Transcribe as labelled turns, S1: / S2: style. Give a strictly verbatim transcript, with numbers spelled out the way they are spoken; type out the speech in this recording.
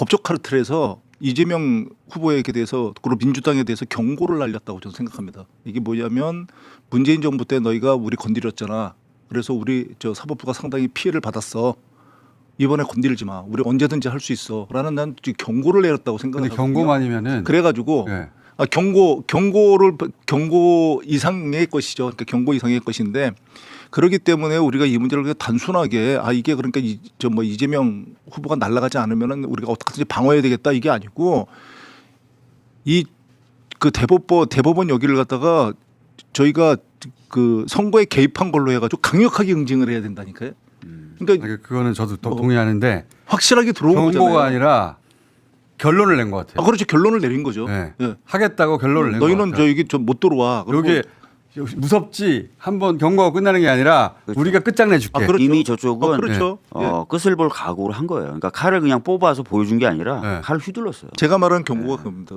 S1: 법적 카르텔에서 이재명 후보에게 대해서 그리고 민주당에 대해서 경고를 날렸다고 저는 생각합니다. 이게 뭐냐면 문재인 정부 때 너희가 우리 건드렸잖아. 그래서 우리 저 사법부가 상당히 피해를 받았어. 이번에 건드리지 마. 우리 언제든지 할 수 있어. 라는 난 지금 경고를 내렸다고
S2: 근데
S1: 생각하거든요.
S2: 경고만이면은
S1: 그래가지고
S2: 네.
S1: 아, 경고 경고를 경고 이상의 것이죠. 그러니까 경고 이상의 것인데 그렇기 때문에 우리가 이 문제를 그냥 단순하게 아 이게 그러니까 저 뭐 이재명 후보가 날아가지 않으면은 우리가 어떻게든지 방어해야 되겠다 이게 아니고 이 그 대법원 대법원 여기를 갖다가 저희가 그 선거에 개입한 걸로 해가지고 강력하게 응징을 해야 된다니까요. 그러니까
S2: 아니, 그거는 저도 또
S1: 어,
S2: 동의하는데
S1: 확실하게 들어온 거잖아요.
S2: 경고가 아니라 결론을 낸 것 같아요.
S1: 아 그렇죠. 결론을 내린 거죠.
S2: 네.
S1: 예.
S2: 하겠다고 결론을 낸 것
S1: 너희는
S2: 같아요.
S1: 저 여기 좀 못 들어와. 그리고
S2: 여기 무섭지 한번 경고가 끝나는 게 아니라
S3: 그렇죠.
S2: 우리가 끝장내줄게.
S1: 아, 그렇죠.
S3: 이미 저쪽은
S1: 어, 그렇죠. 예.
S3: 어, 끝을 볼 각오를 한 거예요. 그러니까 칼을 그냥 뽑아서 보여준 게 아니라
S2: 네.
S3: 칼을 휘둘렀어요.
S1: 제가 말한 경고가 그겁니다.